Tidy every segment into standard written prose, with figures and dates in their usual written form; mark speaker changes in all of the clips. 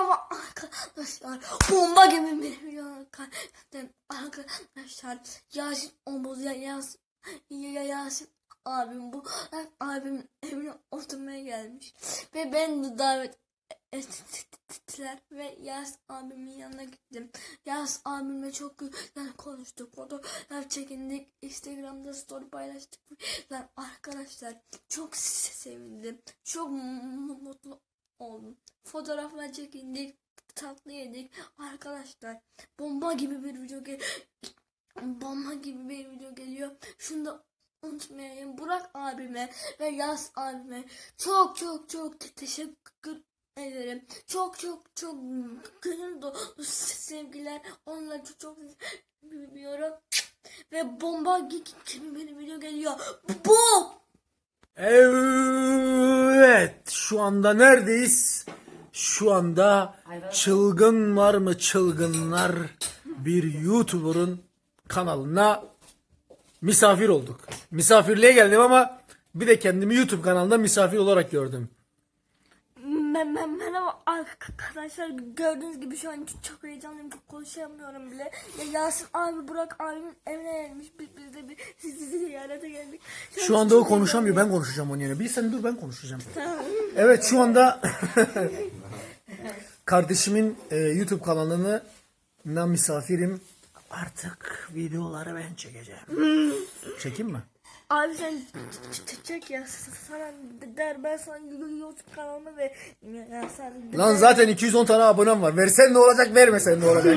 Speaker 1: Merhaba arkadaşlar. Bomba gibi bir video arkadaşlar. Yasin Omuz Yasin abim bu. Abim evine oturmaya gelmiş. Ve ben de davet ettiler ve Yasin abimin yanına gittim. Yasin abimle çok güzel konuştuk. Fotoğraf çekindik. Instagram'da story paylaştık. Yani arkadaşlar çok sevindim. Çok mutlu oldum. Fotoğraflar çekindik. Tatlı yedik. Arkadaşlar bomba gibi bir video geliyor. Şunu da unutmayın. Burak abime ve Yas abime çok teşekkür ederim. Çok gönül dolu sevgiler. Onları çok seviyorum. Ve bomba gibi bir video geliyor. Bu.
Speaker 2: Evet, şu anda neredeyiz? Şu anda çılgın var mı çılgınlar bir YouTuber'ın kanalına misafir olduk. Misafirliğe geldim ama bir de kendimi YouTube kanalında misafir olarak gördüm.
Speaker 1: Merhaba arkadaşlar, gördüğünüz gibi şu an çok heyecanlıyım, çok konuşamıyorum bile. Yasin abi Burak abimin evine gelmiş, biz de sizi ziyarete geldik.
Speaker 2: Şu anda o konuşamıyor, ben konuşacağım onun yerine. Bir sen dur, ben konuşacağım. Evet, şu anda kardeşimin YouTube kanalına misafirim. Artık videoları ben çekeceğim. Çekeyim mi?
Speaker 1: Abi sen çek ya, sana der, ben sana YouTube kanalımı ve ya sen...
Speaker 2: Lan zaten 210 tane abonem var. Versen ne olacak, vermesen ne olacak?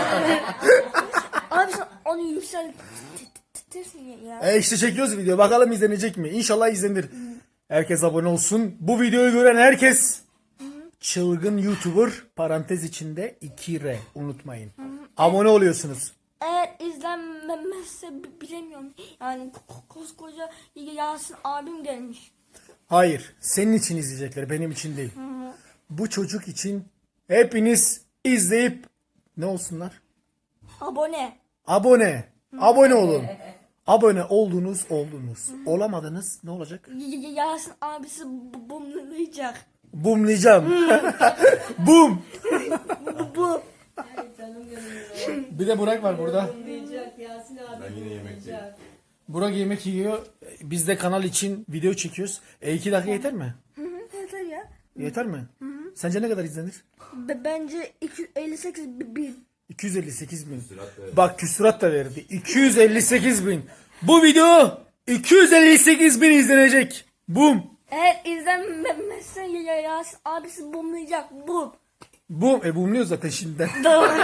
Speaker 1: Abi sen onu yükseltirsin ya.
Speaker 2: İşte çekiyoruz video. Bakalım izlenecek mi? İnşallah izlenir. Herkes abone olsun. Bu videoyu gören herkes çılgın YouTuber parantez içinde 2R unutmayın. Abone oluyorsunuz.
Speaker 1: Eğer izlenmezse bilemiyorum. Yani koskoca Yasin abim gelmiş.
Speaker 2: Hayır. Senin için izleyecekler. Benim için değil. Bu çocuk için hepiniz izleyip ne olsunlar?
Speaker 1: Abone.
Speaker 2: Abone. Abone olun. Abone oldunuz. Olamadınız ne olacak?
Speaker 1: Yasin abisi bumlayacak.
Speaker 2: Bumlayacağım. Bum.
Speaker 1: Bu.
Speaker 2: Bir de Burak var burada.
Speaker 3: Yasin abi ben yine yemekteyim.
Speaker 2: Burak yemek yiyor. Biz de kanal için video çekiyoruz. 2 dakika yeter mi?
Speaker 1: Yeter ya.
Speaker 2: Yeter mi? Sence ne kadar izlenir?
Speaker 1: Bence 258 bin.
Speaker 2: 258 bin. Bak küsurat da verdi. 258 bin. Bu video 258 bin izlenecek. Bum.
Speaker 1: Eğer izlenmezse Yasin abisi bumlayacak. Bum.
Speaker 2: Bum. Bumluyor zaten şimdiden.
Speaker 1: Doğru.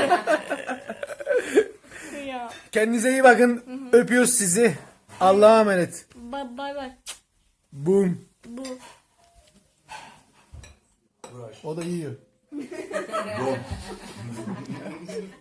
Speaker 1: Ya.
Speaker 2: Kendinize iyi bakın. Öpüyoruz sizi. Allah'a emanet.
Speaker 1: Bay bay.
Speaker 2: Bum.
Speaker 1: Bu.
Speaker 2: O da yiyor.